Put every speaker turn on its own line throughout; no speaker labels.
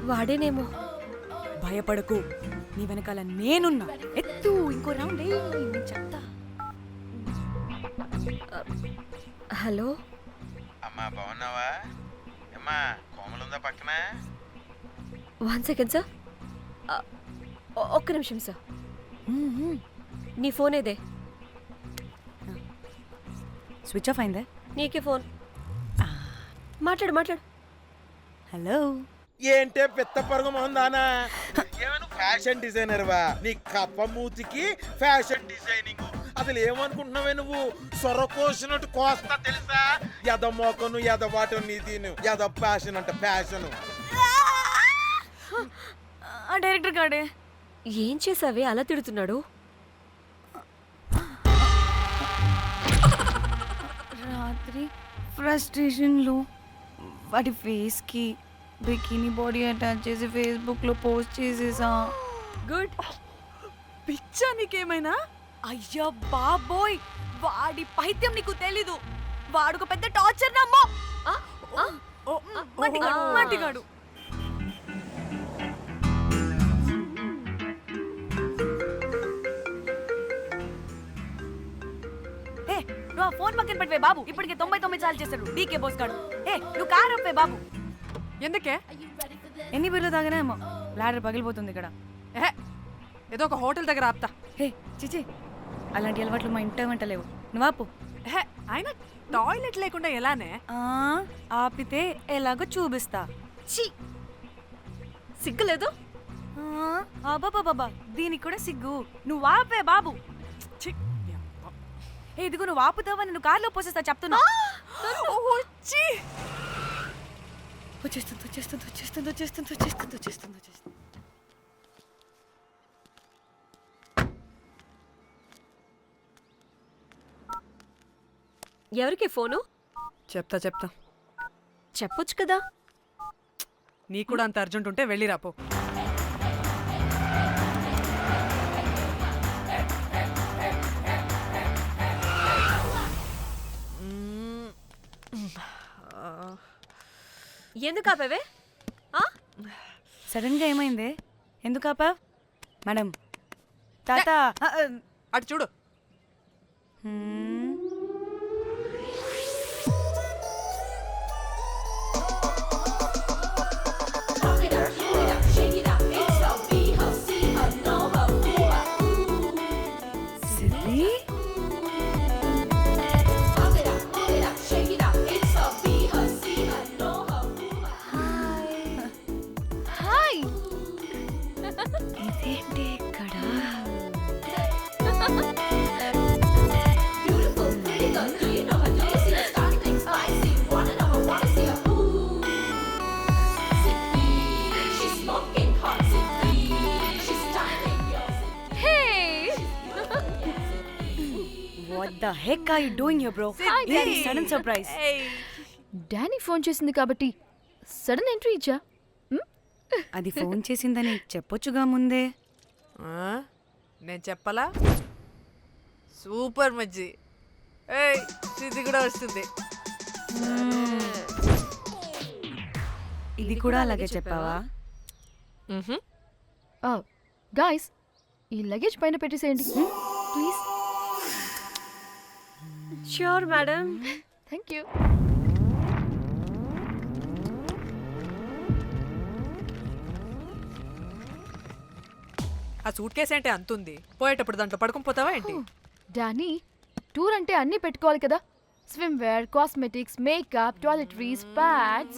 వాడేనేమో.
భయపడకు, నీ వెనకాల నేనున్నా. ఎత్తు, ఇంకో రౌండ్ నేను చెప్తా.
హలో
అమ్మా, బాగున్నావా? అమ్మా, కోమలుందా పక్కన?
1 సెకండ్ సార్. ఒక్క నిమిషం సార్. నీ ఫోన్ ఏదే?
స్విచ్ ఆఫ్ అయిందే.
నీకే ఫోన్. మాట్లాడు మాట్లాడు.
హలో.
ఏంటే పెద్ద పరుగు మొహందానా? ఏమను ఫ్యాషన్ డిజైనర్ వా? నీ కప్ప మూతికి ఫ్యాషన్ డిజైనింగ్. అసలు ఏమనుకుంటున్నావే నువ్వు? సొర కోసినట్టు కోస్తా తెలుసా? ఎద మోకను ఎద వాటను నీ తీను ఎద ఫ్యాషన్ అంట ఫ్యాషన్.
డైరెక్టర్ గాడే
ఏం చేసావే అలా తిడుతున్నాడు?
రాత్రి ఫ్రస్ట్రేషన్లో వాడి ఫేస్కి బికినీ బాడీ అటాచ్ చేసి ఫేస్బుక్లో పోస్ట్ చేసేసా.
గుడ్.
పిచ్చా నీకేమైనా? అయ్యా బాబోయ్, వాడి పైత్యం నీకు తెలీదు. వాడుక పెద్ద టార్చర్ నమ్మో. మట్టిగాడు. నువ్వు ఆ ఫోన్ పక్కన పెట్టవే బాబు. ఇప్పటికే 99 సార్లు చేశాడు డీకే బోస్ గాడు. నువ్వు కారు అప్పే బాబు.
ఎందుకే?
ఎన్ని బిర్లు తాగినాయేమో లాడర్ పగిలిపోతుంది ఇక్కడ.
ఏదో ఒక హోటల్ దగ్గర ఆపుతా.
చిచి, అలాంటి అలవాట్లు మా ఇంట వెంట లేవు. నువ్వు ఆపు.
ఆయన టాయిలెట్ లేకుండా ఎలానే?
ఆపితే ఎలాగో చూపిస్తా.
ఛీ, సిగ్గులేదు?
బాబా, దీనికి కూడా సిగ్గు. నువ్వు ఆపే బాబు. ఇదిగో నువ్వు ఆపుతావా నేను కార్లో పోసేస్తా చెప్తున్నా. వచ్చేస్తుంది.
ఎవరికి ఫోను?
చెప్తా
చెప్పొచ్చు కదా.
నీ కూడా అంత అర్జెంట్ ఉంటే వెళ్ళి రాపో.
ఎందుకు ఆపేవే?
సడన్ గా ఏమైంది? ఎందుకు ఆపా? మేడం, తాత
అటు చూడు.
ఇదేంటి ఇక్కడ? What the heck are you doing here, bro? This is sudden surprise.
Danny phone చేసింది కాబట్టి సడన్ ఎంట్రీ ఇచ్చా.
అది ఫోన్ చేసిందని చెప్పొచ్చుగా ముందే.
నేను చెప్పలా? సూపర్ మజ్జి. ఇది కూడా వస్తుంది.
ఇది కూడా అలాగే చెప్పావా?
గాయ్స్, ఈ లగేజ్ పైన పెట్టేసేయండి please.
Sure madam.
Thank you.
ఆ సూట్ కేసు అంటే అంతుంది. పోయేటప్పుడు దాంట్లో పడుకుని పోతావా ఏంటి?
డానీ, టూర్ అంటే అన్నీ పెట్టుకోవాలి కదా. Swimwear, cosmetics, makeup, toiletries, pads.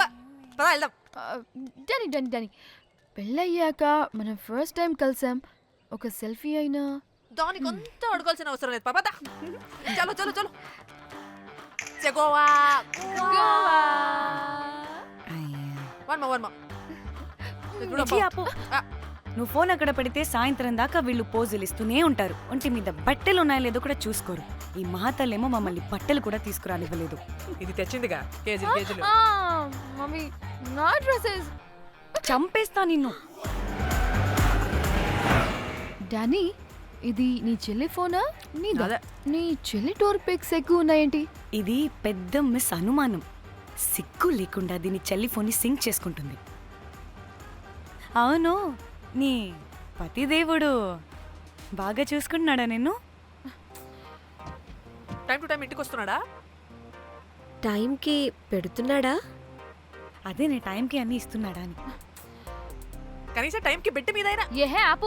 Danny, పెళ్ళయ్యాక మనం ఫస్ట్ టైం కలిసాం. ఒక సెల్ఫీ అయినా
దానికి అంతా అడగాల్సిన అవసరం లేదు పాపా. చలో చలో చలో. గోవా.
నువ్వు ఫోన్ అక్కడ పెడితే సాయంత్రం దాకా వీళ్ళు పోజులు ఇస్తూనే ఉంటారు. ఒంటి మీద బట్టలు ఉన్నాయో లేదో కూడా చూసుకోరు. ఈ మహాతల్లేమో మమ్మల్ని బట్టలు కూడా తీసుకురానివ్వలేదు.
ఇది తెచ్చిందిగా కేజీలు.
మమ్మీ, నా డ్రెస్సెస్.
చంపేస్తా నిన్ను.
డానీ, ఇది నీ చెల్లి ఫోనా?
అదే.
నీ చెల్లి టూర్ పిక్స్ ఎక్కువ ఉన్నాయేంటి?
ఇది పెద్ద మిస్ అనుమానం. సిగ్గు లేకుండా దీని చెల్లి ఫోన్ని సింక్ చేసుకుంటుంది. అవును నీ పతిదేవుడు బాగా చూసుకుంటున్నాడా నిన్ను?
టైం టు టైం ఇంటికి వస్తున్నాడా?
టైంకి పెడుతున్నాడా?
అదే నీ టైంకి అన్నీ ఇస్తున్నాడా అని.
కనీసం టైంకి బెట్టి మీదైనా.
ఏహే ఆపు.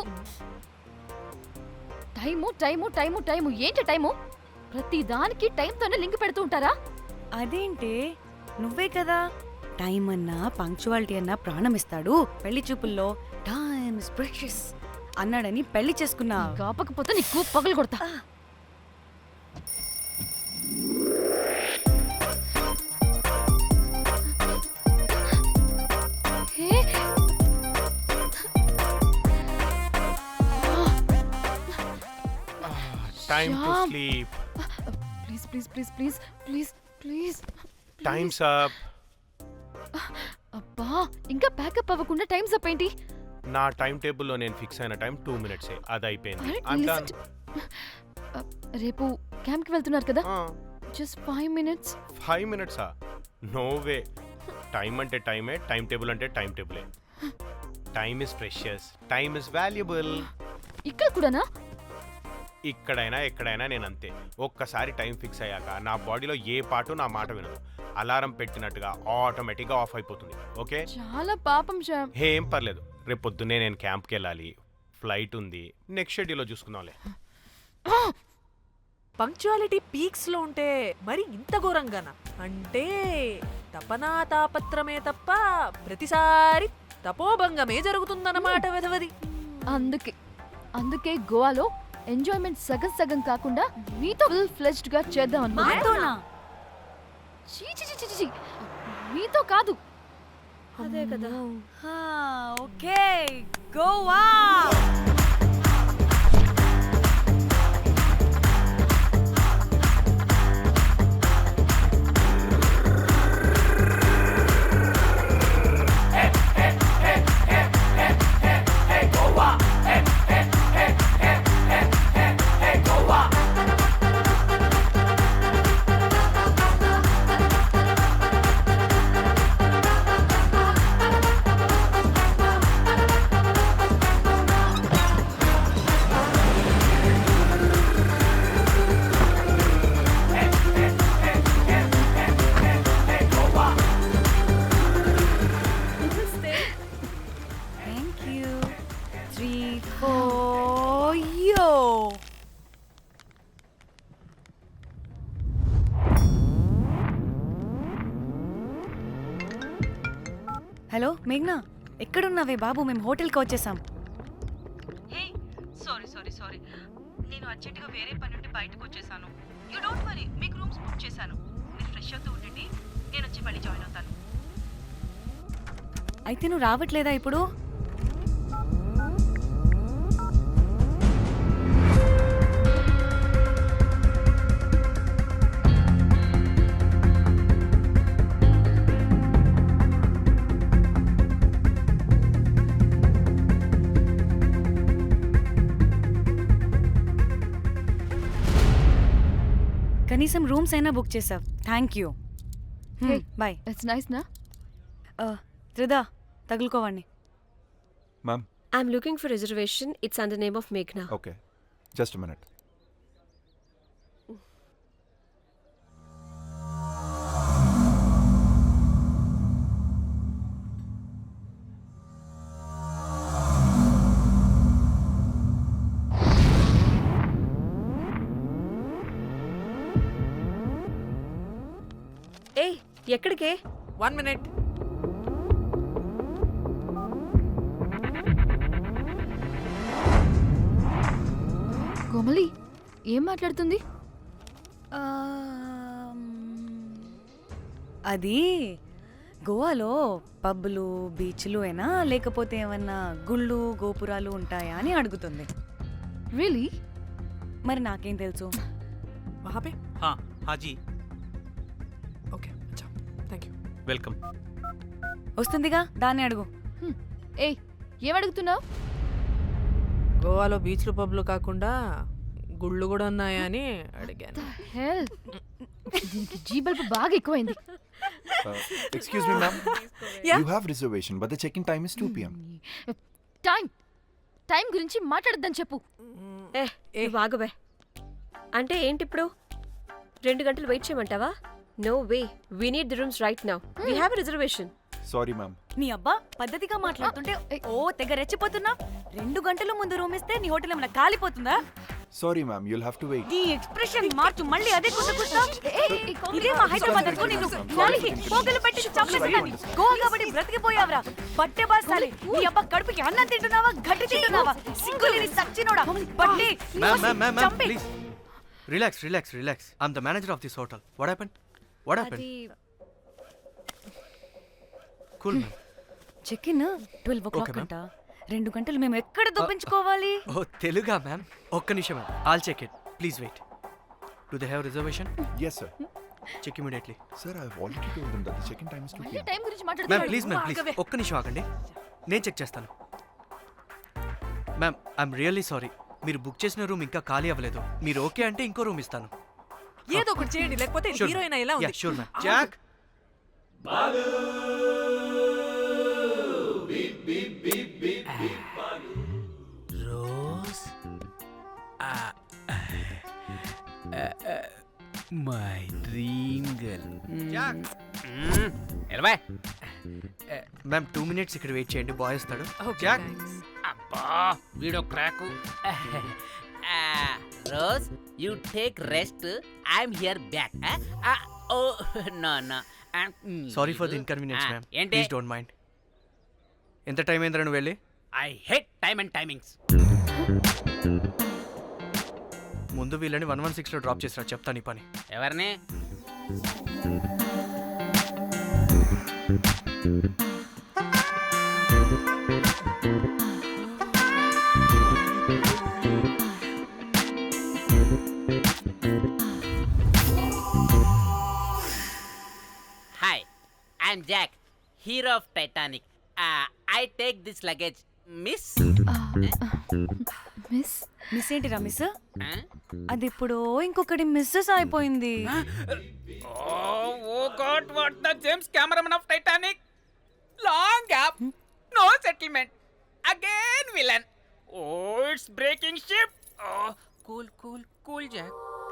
టైము టైము టైము టైము ఏంటి టైము? ప్రతి దానికి టైంతోనే లింక్ పెడుతూ ఉంటారా?
అదేంటే నువ్వే కదా టైం అన్నా పంక్చువాలిటీ అన్నా ప్రాణం ఇస్తాడు, పెళ్లి చూపుల్లో టైమ్ ఇస్ ప్రెషియస్ అన్నాడని పెళ్లి చేసుకున్నా.
కాపకపోతే నీకు పగలు కొడతా. హే,
Time to
Shyam.
sleep.
Please please please please please please.
Time's up.
అబ్బా ఇంకా ప్యాకప్ అవ్వకుండా టైమ్స్ అప్ ఏంటి?
నా టైం టేబుల్లో నేను ఫిక్స్ అయిన టైం 2 minutes అది అయిపోయింది.
Alright,
I'm
listen
done.
రేపు క్యాంప్కి వెళ్తున్నారు కదా? Just 5 minutes.
5 minutes no way. Time అంటే టైమే, టైం టేబుల్ అంటే టైం టేబులే. Time is precious, time is valuable.
ఇక్కడ కూడానా?
ఇక్కడైనా ఎక్కడైనా నేను అంతే. ఒక్కసారి టైం ఫిక్స్ అయ్యాక నా బాడీలో ఏ పాటు నా మాట వినదు. అలారం పెట్టినట్టుగా ఆటోమేటిక్గా ఆఫ్ అయిపోతుంది. ఓకే,
చాలా పాపం శ్యామ్.
ఏం పర్లేదు. రేపు పొద్దున్నే నేను క్యాంప్కి వెళ్ళాలి, ఫ్లైట్ ఉంది. నెక్స్ట్ షెడ్యూల్లో చూసుకుందాంలే.
పంక్చువాలిటీ పీక్స్ లో ఉంటే మరి ఇంత ఘోరంగానా? అంటే తపనా తాపత్రమే తప్ప ప్రతిసారి తపోభంగమే జరుగుతుందన్నమాట వెధవది.
అందుకే గోవాలో ఎంజాయ్మెంట్ సగం సగం కాకుండా మీతో ఫుల్ ఫ్లెజ్డ్ గా చేద్దాం అనుకున్నా.
మాతోనా?
చీ చీ చీ చీ చీ. మీతో కాదు.
అదే కదా.
Okay Goa. Thank you. 3 4 yo. Hello మేఘ్నా, ఎక్కడున్నావే బాబు? మేము హోటల్కి వచ్చేసాం.
సారీ నేను అర్జెంటుగా వేరే పని నుండి బయటకు వచ్చేసాను. యూ డోంట్ వరీ, మీకు రూమ్స్ బుక్ చేశాను. మీరు ఫ్రెష్ అవుతూ ఉండండి, నేను వచ్చి మళ్ళీ జాయిన్ అవుతాను.
అయితే నువ్వు రావట్లేదా ఇప్పుడు? కనీసం రూమ్స్ అయినా బుక్ చేసావు. Thank you.
Hey.
Bye.
It's nice నా?
త్రిదా తగులుకోవండి.
Ma'am,
I'm looking for reservation. It's under name of Meghna.
okay. Just a minute.
ఏయ్ ఎక్కడికే?
1 minute.
కోమలి ఏం మాట్లాడుతుంది?
అది గోవాలో పబ్బులు బీచ్లు అయినా లేకపోతే ఏమన్నా గుళ్ళు గోపురాలు ఉంటాయా అని అడుగుతుంది.
రియలీ?
మరి నాకేం తెలుసు?
वहाँ पे?
हाँ जी,
ఓకే, అచ్చా, థ్యాంక్ యూ.
वेलकम.
వస్తుందిగా, దాన్ని అడుగు.
ఏయ్ ఏం అడుగుతున్నావు?
గోవాలో బీచ్లు పబ్లు కాకుండా గుళ్ళు కూడా ఉన్నాయా అని అడిగాను.
హెల్ దీనికి జీ బల్బ్ బాగా ఎక్కువైంది.
Excuse me, ma'am.
Yeah.
You have reservation, but the check-in time is 2 p.m.
Time గురించి మాట్లాడద్దని చెప్పు.
నువ్వు ఆగుబే. అంటే ఏంటి ఇప్పుడు 2 గంటలు వెయిట్ చేయమంటావా? No way, we need the rooms right now. We have a reservation.
Sorry, ma'am.
నీ అబ్బా పద్ధతిగా మాట్లాడుతుంటే ఓ తెగ రెచ్చిపోతున్నా. 2 గంటల ముందు రూమ్ ఇస్తే నీ హోటల్ ఏమైనా కాలిపోతుందా?
Sorry, ma'am. You'll have to wait.
నీ ఎక్స్ప్రెషన్ మార్చు, మళ్ళీ అదే కుసకుసా. ఇదే మా హైదరాబాద్ అనుకో, నిన్ను నాలికి పోగలు పెట్టి చంపేస్తాను. గోవా కాబట్టి బ్రతికిపోయావరా బట్టే బాసాలి. నీ అబ్బా కడుపుకి అన్నం తింటున్నావా, గడ్డి తింటున్నావా? సింగులేని సచ్చినోడా బట్టే.
Ma'am,
చంపే.
please. Relax. I'm the manager of this hotel. What happened?
అది
Cool, ma'am.
Check in 12 o'clock
Okay, ma'am.
అంట. 2 గంటలు మేము ఎక్కడ దొప్పించుకోవాలి?
Oh, Teluga, ma'am. ఒక్క నిమిషం, ma'am. I'll check it. Please wait. Do they have reservation?
Yes, sir.
Check immediately.
Sir, I've already told them that the check-in time is 2 p.m.
Time గురించి
Ma'am,
మాట్లాడుతున్నాడు.
please. ఒక్క నిమిషం ఆగండి. నేను check చేస్తాను. Ma'am, I'm really sorry. మీరు book చేసిన room ఇంకా ఖాళీ అవ్వలేదు. మీరు ఓకే అంటే ఇంకో రూమ్ ఇస్తాను.
ఏదో ఒకటి చేయండి, లేకపోతే హీరోయిన్ ఎలా ఉంది?
Sure ma'am. Jack,
Rose my dream girl.
Jack.
ఎలవా
మ్యామ్ 2 minutes ఇక్కడ వెయిట్ చేయండి, బాయ్ వస్తాడు.
Okay,
Jack.
thanks.
అబ్బా వీడో crack. Rose you take rest, I'm here back. Oh no
sorry for the inconvenience ma'am.
ఏంటి?
Please don't mind. ఎంత time అయిందిరా నువ్వు వెళ్ళి?
I hate time and timings.
ముందు వీళ్ళని 116లో డ్రాప్ చేసినా చెప్తాను ఈ పని.
ఎవరిని? Hi, I'm Jack, hero of Titanic. I take this luggage miss.
Miss ఏంటిరా మిస్? అది ఇప్పుడు ఇంకొకటి మిస్సెస్ అయిపోయింది.
Oh God, what the James cameraman of Titanic. Long gap, no settlement, again villain. Oh it's breaking ship. Cool Jack.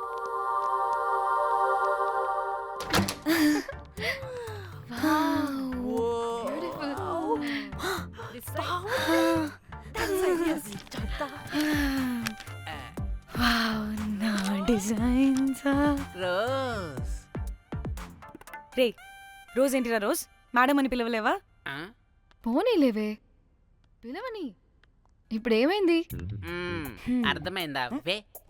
Wow, నా designs.
Rose.
రే Rose ఏంటిరా Rose? Madam అని పిలవలేవా?
పోనీలేవే, పిలవని. ఇప్పుడు ఏమైంది?
అర్థమైందా? వే